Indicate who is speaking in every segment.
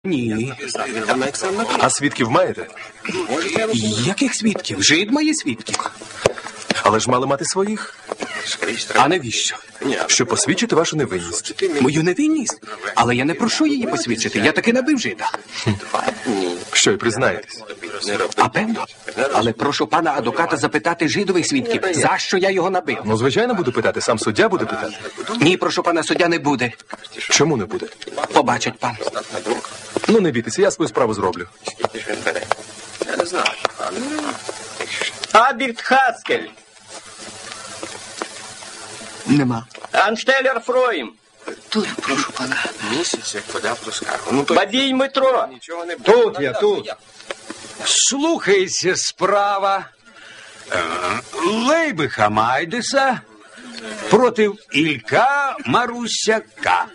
Speaker 1: Ні.
Speaker 2: А свідків маєте?
Speaker 1: Яких свідків? Жид має свідків.
Speaker 2: Але ж мали мати своїх,
Speaker 1: А навіщо?
Speaker 2: щоб посвідчити вашу невинність.
Speaker 1: Мою невинність? Але я не прошу її посвідчити. Я таки набив жида.
Speaker 2: Що й признаєтесь?
Speaker 1: А певно? Але прошу пана адвоката запитати жидових свідків, за що я його набив.
Speaker 2: Ну, звичайно, буду питати. Сам суддя буде питати.
Speaker 1: Ні, прошу пана, суддя не буде.
Speaker 2: Чому не буде?
Speaker 1: Побачить пан.
Speaker 2: Ну, не бійтеся, я свою справу зроблю.
Speaker 3: Аберт Хаскель.
Speaker 1: Нема.
Speaker 3: Анштеллер Фроїм.
Speaker 1: Тут, прошу пана.
Speaker 4: Місяць, як подав до скаргу.
Speaker 3: Бадій Дмитро.
Speaker 5: Тут я, тут.
Speaker 6: Слухається справа Лейби Хамайдеса проти Ілька Марусяка.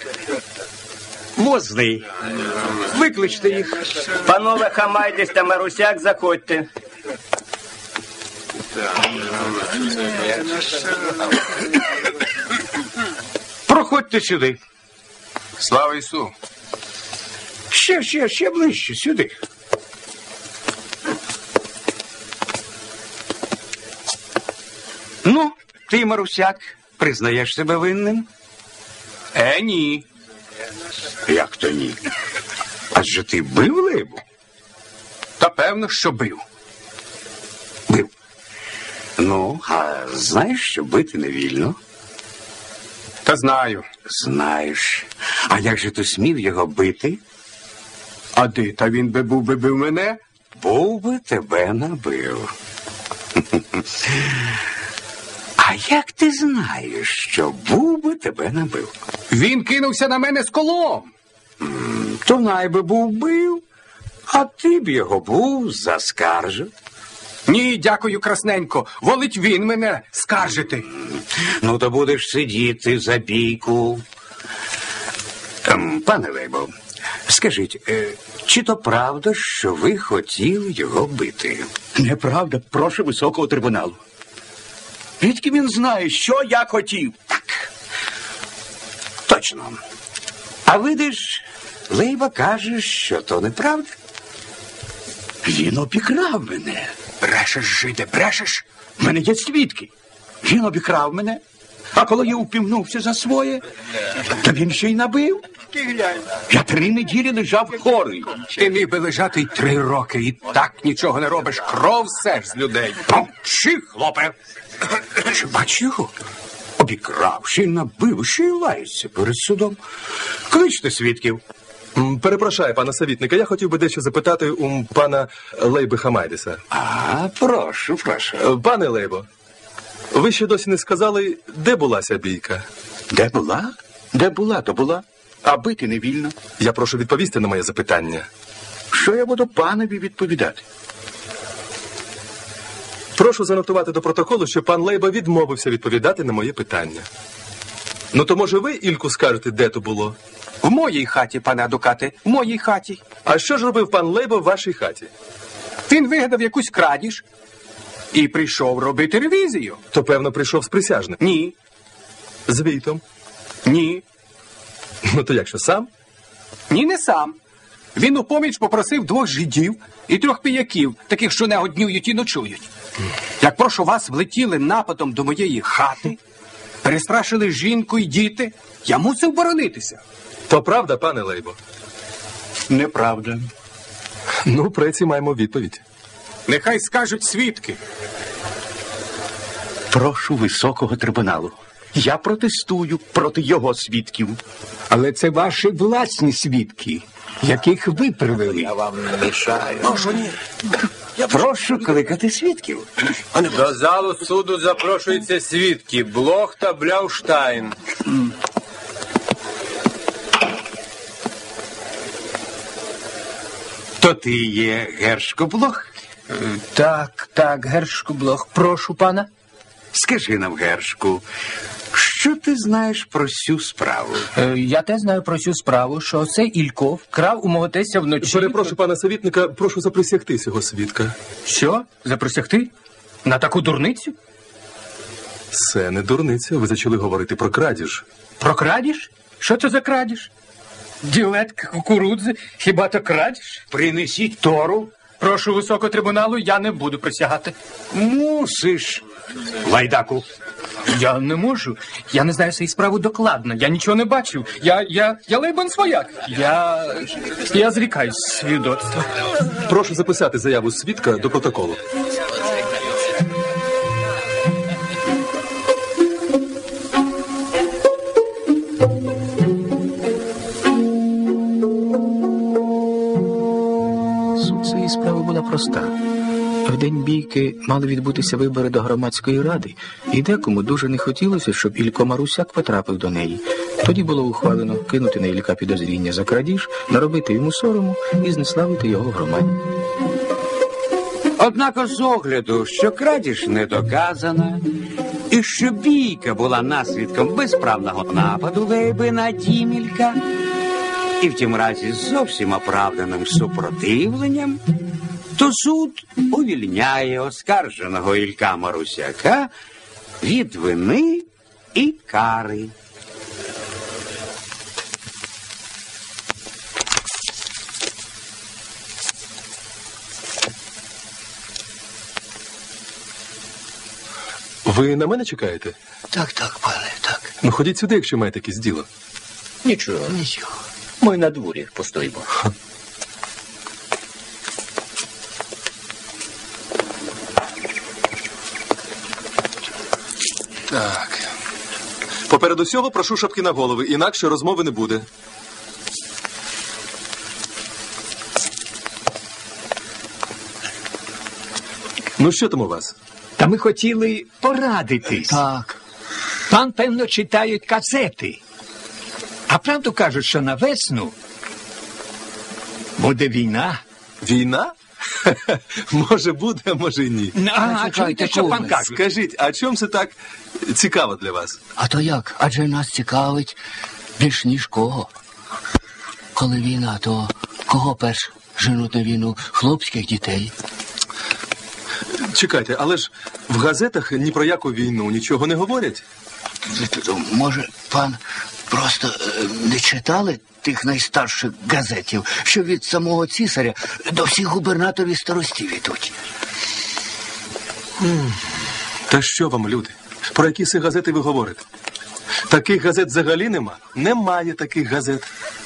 Speaker 6: Возний. Викличте їх.
Speaker 3: Панове Хамайдес та Марусяк, заходьте.
Speaker 6: Проходьте сюди.
Speaker 4: Слава Ісу!
Speaker 6: Ще ближче, сюди. Ну, ти, Марусяк, признаєш себе винним?
Speaker 1: Ні.
Speaker 6: Як то ні? Адже ти бив Лейбу?
Speaker 1: Та певно, що бив.
Speaker 6: Бив. Ну, а знаєш, що бити не вільно?
Speaker 1: Та знаю.
Speaker 6: Знаєш. А як же ти смів його бити?
Speaker 1: А де? Та він би бив мене?
Speaker 6: Був би тебе набив. А як ти знаєш, що був би тебе набив?
Speaker 1: Він кинувся на мене з колом.
Speaker 6: То найби був бив, а ти б його був заскаржив.
Speaker 1: Ні, дякую, красненько. Волить він мене скаржити.
Speaker 6: Ну, то будеш сидіти за бійку. Пане Лейбо, скажіть, чи то правда, що ви хотіли його бити?
Speaker 5: Неправда, прошу високого трибуналу. Звідки він знає, що я хотів?
Speaker 6: Так. Точно. А видиш, Лейба каже, що то неправда.
Speaker 5: Він обікрав мене.
Speaker 1: Брешеш, жиде, брешеш?
Speaker 5: В мене є свідки. Він обікрав мене. А коли я упівнувся за своє, то він ще й набив. Я 3 неділі лежав хворий.
Speaker 1: Ти міг би лежати й 3 роки, і так нічого не робиш. Кров сеш з людей. Мовчи, хлопе.
Speaker 6: Чи бач його? Обікрав, ще й набив, ще й лається перед судом. Кличте свідків.
Speaker 2: Перепрошую, пана совітника, я хотів би дещо запитати у пана Лейби Хамайдеса.
Speaker 6: Прошу.
Speaker 2: Пане Лейбо, ви ще досі не сказали, де була ця бійка?
Speaker 5: Де була? Де була, то була. А бити не вільно.
Speaker 2: Я прошу відповісти на моє запитання.
Speaker 5: Що я буду панові відповідати?
Speaker 2: Прошу занотувати до протоколу, що пан Лейба відмовився відповідати на моє питання. Ну, то, може, ви, Ільку, скажете, де то було?
Speaker 1: В моїй хаті, пане адвокате, в моїй хаті.
Speaker 2: А що ж робив пан Лейба в вашій хаті?
Speaker 1: Він вигадав якусь крадіж і прийшов робити ревізію.
Speaker 2: То, певно, прийшов з присяжним.
Speaker 1: Ні,
Speaker 2: З війтом.
Speaker 1: ні,
Speaker 2: Ну, то якщо сам?
Speaker 1: ні, не сам. Він у поміч попросив 2 жидів і 3 піяків, таких, що не днюють і ночують. Як прошу вас влетіли нападом до моєї хати, перестрашили жінку і діти, я мусив боронитися.
Speaker 2: То правда, пане Лейбо?
Speaker 5: Неправда.
Speaker 2: Ну, преці маємо відповідь.
Speaker 1: Нехай скажуть свідки.
Speaker 5: Прошу високого трибуналу. Я протестую проти його свідків.
Speaker 7: Але це ваші власні свідки, яких ви привели.
Speaker 4: Я вам не мішаю.
Speaker 6: Прошу кликати свідків.
Speaker 4: До залу суду запрошуються свідки Блох та Бляуштайн.
Speaker 6: То ти є Гершко Блох?
Speaker 7: Так, Гершку Блох, прошу пана.
Speaker 6: Скажи нам, Гершку, що ти знаєш про цю справу?
Speaker 7: Я те знаю про цю справу, що цей Ілько вкрав у мого тестя вночі.
Speaker 2: Перепрошую, пана совітника, прошу заприсягти цього свідка.
Speaker 7: Що? Запросягти? На таку дурницю?
Speaker 2: Це не дурниця, ви зачали говорити про крадіж.
Speaker 7: Про крадіж? Що це за крадіж?
Speaker 1: Ділетка кукурудзи, хіба то крадіж?
Speaker 6: Принесіть Тору.
Speaker 1: Прошу високого трибуналу, я не буду присягати.
Speaker 6: Мусиш. Лайдаку.
Speaker 1: Я не можу. Я не знаю цієї справи докладно. Я нічого не бачив. Я Лейбан свояк. Я зрікаюсь свідоцтва.
Speaker 2: Прошу записати заяву свідка до протоколу.
Speaker 8: Суть цієї справи була проста. В день бійки мали відбутися вибори до громадської ради, і декому дуже не хотілося, щоб Ілько Марусяк потрапив до неї. Тоді було ухвалено кинути на Ілька підозріння за крадіж, наробити йому сорому і знеславити його в громаді.
Speaker 6: Однак з огляду, що крадіж не доказана, і що бійка була наслідком безправного нападу Лейби на дім Ілька, і в тім разі з зовсім оправданим супротивленням, то суд увільняє оскарженого Ілька Марусяка від вини і кари.
Speaker 2: Ви на мене чекаєте?
Speaker 5: Так, пане, так.
Speaker 2: Ну, ходіть сюди, якщо маєте якесь діло.
Speaker 5: Нічого. Ми на дворі постоїмо.
Speaker 2: Так. Поперед усього прошу шапки на голови, інакше розмови не буде. Ну, що там у вас?
Speaker 7: Та ми хотіли порадитись.
Speaker 5: Так.
Speaker 7: Пан, певно, читають касети. А правду кажуть, що на весну буде війна.
Speaker 2: Війна? Може буде, а може й ні.
Speaker 7: А чуєте, що пан каже?
Speaker 2: Скажіть, а чому це так цікаво для вас?
Speaker 5: А то як? Адже нас цікавить більш ніж кого. Коли війна, то кого перш женуть на війну? Хлопських дітей.
Speaker 2: Чекайте, але ж в газетах ні про яку війну нічого не говорять.
Speaker 5: Може, пан просто не читали тих найстарших газетів, що від самого цісаря до всіх губернаторів і старостів ідуть?
Speaker 2: Та що вам, люди? Про які це газети ви говорите? Таких газет взагалі нема? Немає таких газет.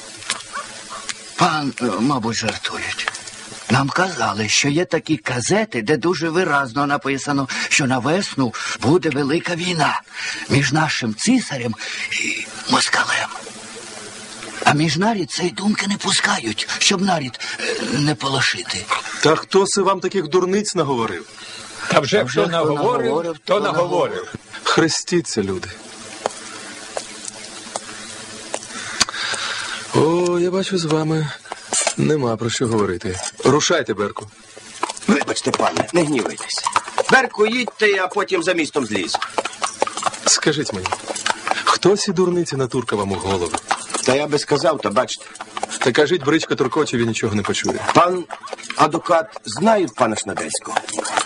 Speaker 5: Пан, мабуть, жартують. Нам казали, що є такі газети, де дуже виразно написано, що на весну буде велика війна між нашим цісарем і москалем. А між нарід цієї думки не пускають, щоб нарід не полошити.
Speaker 2: Та хто це вам таких дурниць наговорив?
Speaker 7: Та вже
Speaker 5: хто наговорив,
Speaker 7: то наговорив.
Speaker 2: Хрестіться, люди. О, я бачу, з вами нема про що говорити. Рушайте, Берку.
Speaker 3: Вибачте, пане, не гнівайтеся. Берку, їдьте, а потім за містом зліз.
Speaker 2: Скажіть мені, хто ці дурниці натурка вам у голову?
Speaker 3: Та я би сказав, та бачите.
Speaker 2: Та кажіть, бричка туркоче, він нічого не почує.
Speaker 3: Пан адвокат знає пана Шнадельського?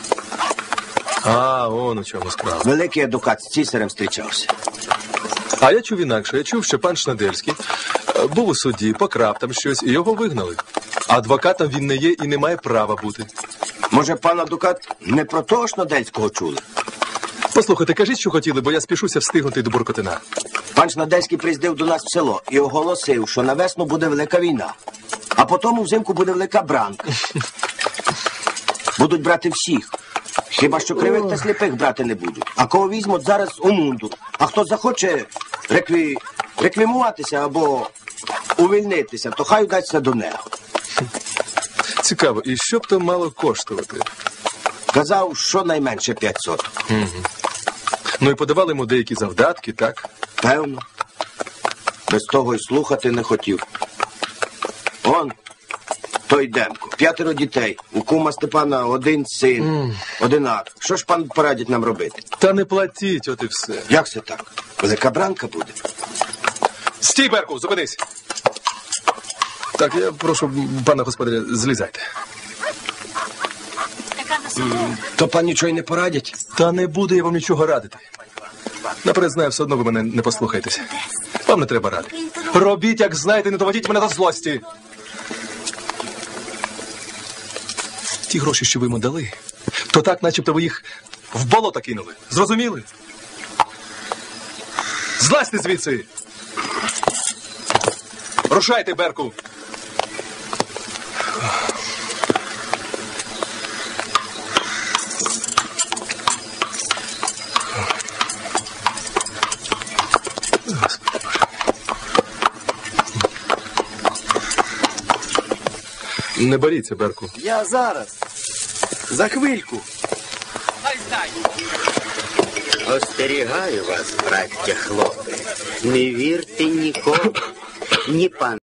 Speaker 2: А, он у чому справа.
Speaker 3: Великий адвокат з цісарем зустрічався.
Speaker 2: А я чув інакше. Я чув, що пан Шнадельський був у суді, покрав там щось, і його вигнали. Адвокатом він не є і не має права бути.
Speaker 3: Може, пан адвокат не про того Шнадельського чули?
Speaker 2: Послухайте, кажіть, що хотіли, бо я спішуся встигнути до Буркотина.
Speaker 3: Пан Шнадельський приїздив до нас в село і оголосив, що на весну буде велика війна, а потім взимку буде велика бранка. Будуть брати всіх. Хіба що кривих та сліпих брати не будуть. А кого візьмуть зараз у мунду. А хто захоче реквімуватися або увільнитися, то хай удасться до нього.
Speaker 2: Цікаво, і що б то мало коштувати?
Speaker 3: Казав, що найменше 500.
Speaker 2: Ну і подавали йому деякі завдатки, так?
Speaker 3: Певно. Без того й слухати не хотів. Он, той Демко, 5 дітей. У кума Степана 1 син, одинак. Що ж пан порадить нам робити?
Speaker 2: Та не платіть, от і все.
Speaker 3: Як це так? Велика бранка буде?
Speaker 2: Стій, Берку, зупинись. Так, я прошу пана господаря, злізайте.
Speaker 3: То пан нічого й не порадять?
Speaker 2: Та не буду я вам нічого радити. Наперед знаю, все одно ви мене не послухаєтеся. Вам не треба ради. Робіть, як знаєте, не доводіть мене до злості. Ті гроші, що ви йому дали, то так, начебто ви їх в болото кинули. Зрозуміли? Злазьте звідси! Рушайте, Берку! Не боріться, Берку.
Speaker 3: Я зараз. За хвильку.
Speaker 6: Остерігаю вас, браття хлопці. Не вірте нікому, ні пан